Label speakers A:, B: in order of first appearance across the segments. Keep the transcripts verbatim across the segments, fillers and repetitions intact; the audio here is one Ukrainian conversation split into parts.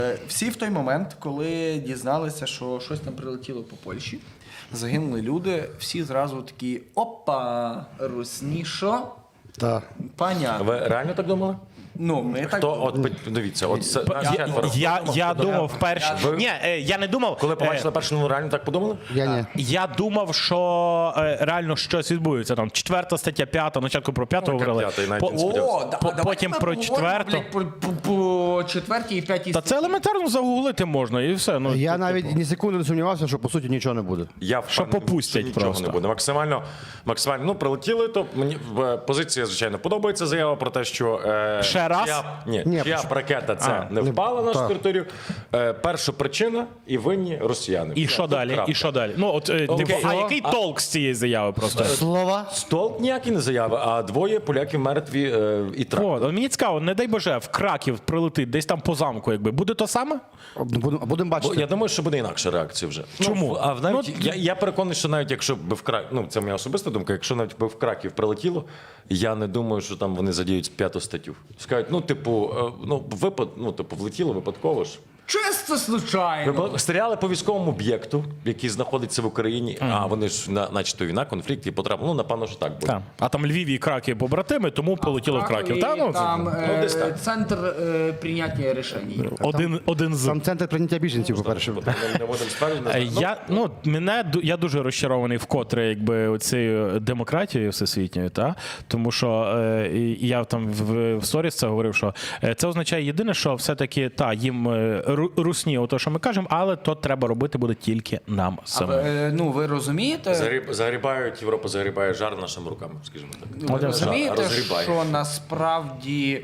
A: Всі в той момент, коли дізналися, що щось там прилетіло по Польщі, загинули люди, всі зразу такі: опа, русні, що?
B: Так.
A: Понятно.
C: Ви реально так думали?
A: Ну, ми так...
C: То от дивіться, от це нас
D: Я,
C: четверо.
D: я, я думав вперше.
C: Ви-
D: Ні, е, я не думав.
C: Коли
D: е,
C: побачили першу новину, реально так подумали?
B: Я ні.
D: Я думав, що е, реально щось відбудеться. Там четверта стаття, п'ята, спочатку про п'яту
C: Ну, яка
D: говорили.
C: п'ята, і навіть
D: По-
C: не сподівався.
A: О, да,
D: По-
A: а давайте
D: потім
A: ми
D: про
A: поговоримо,
D: четверту.
A: блядь, По, по, по четвертій і п'ятій.
D: Та це елементарно загуглити можна і все. Ну,
B: Я
D: типу,
B: навіть ні секунди не сумнівався, що по суті нічого не буде.
C: Я
D: Що
C: впевнений,
D: попустять
C: що нічого
D: просто.
C: не буде. Максимально, максимально, ну, прилетіли, то мені е, позиція, звичайно, подобається заява про те, що... Е,
D: Ще раз?
C: чия- ні,
B: Ні,
C: чия
B: почему?
C: ракета це
D: А,
C: не впала на нашу
B: так.
C: територію. Е, перша причина і винні росіяни.
D: І
C: Все,
D: що
C: тут
D: далі?
C: крапка.
D: І що далі? Ну, от, е,
C: Окей.
D: типу, а
C: А-
D: який толк з цієї заяви просто?
B: Слова?
C: Столк ніякі не заяви, а двоє поляків мертві е, і трап.
D: О, от мені цікаво, не дай Боже, в Краків прилетить десь там по замку, якби. Буде то саме?
B: Будемо будем
C: Бо
B: бачити.
C: я думаю, що буде інакша реакція вже.
D: Чому?
C: Ну, а навіть,
D: Ну,
C: я, я переконаний, що навіть якщо б в Краків, ну це моя особиста думка, якщо навіть би в Краків прилетіло, я не думаю, що там вони задіють п'яту статтю. Скажуть, ну, типу, е, ну, випад, ну, типу, влетіло випадково ж.
A: Чисто случайно.
C: Ви стріляли по військовому об'єкту, який знаходиться в Україні, а вони ж на, начебто війна, конфлікт і потрапили. Ну, напевно, що так буде.
D: Так. А там Львів і Краків побратими, тому полетіло в Краків. Та, ну,
A: там
C: ну,
A: е,
C: десь так.
A: центр е, прийняття рішень.
D: один, один з.
B: Там центр прийняття біженців, по-перше.
C: Не, не будемо стверджувати.
D: Е, Я, ну, мене, ду- я дуже розчарований вкотре якби, цією демократією всесвітньою, та? Тому що е, і я там в, в сторіс це говорив, що е, це означає єдине, що все-таки та, їм е, ру- русні, ото, що ми кажемо, але то треба робити буде тільки нам
A: А
D: самим.
A: ви, е, ну, ви розумієте,
C: Загріб, загрібають, Європа загрібає жар нашими руками, скажімо так.
A: ви
D: От і все.
A: розумієте,
C: Розгрібає.
A: що насправді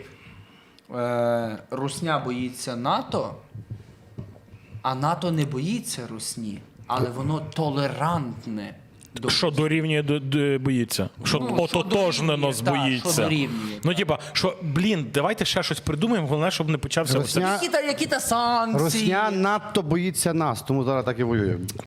A: е, русня боїться НАТО, а НАТО не боїться русні, але воно толерантне. До...
D: Що дорівнює до, до боїться? Що
A: Ну, що
D: ототожнено
A: дорівнює, так,
D: боїться?
A: що дорівнює,
D: Ну,
A: так.
D: типа, що, блін, давайте ще щось придумаємо, головне, щоб не почався.
B: Русня-
D: оце-
A: Які-то, які-то санкції.
B: Русня надто боїться нас, тому зараз так і воює.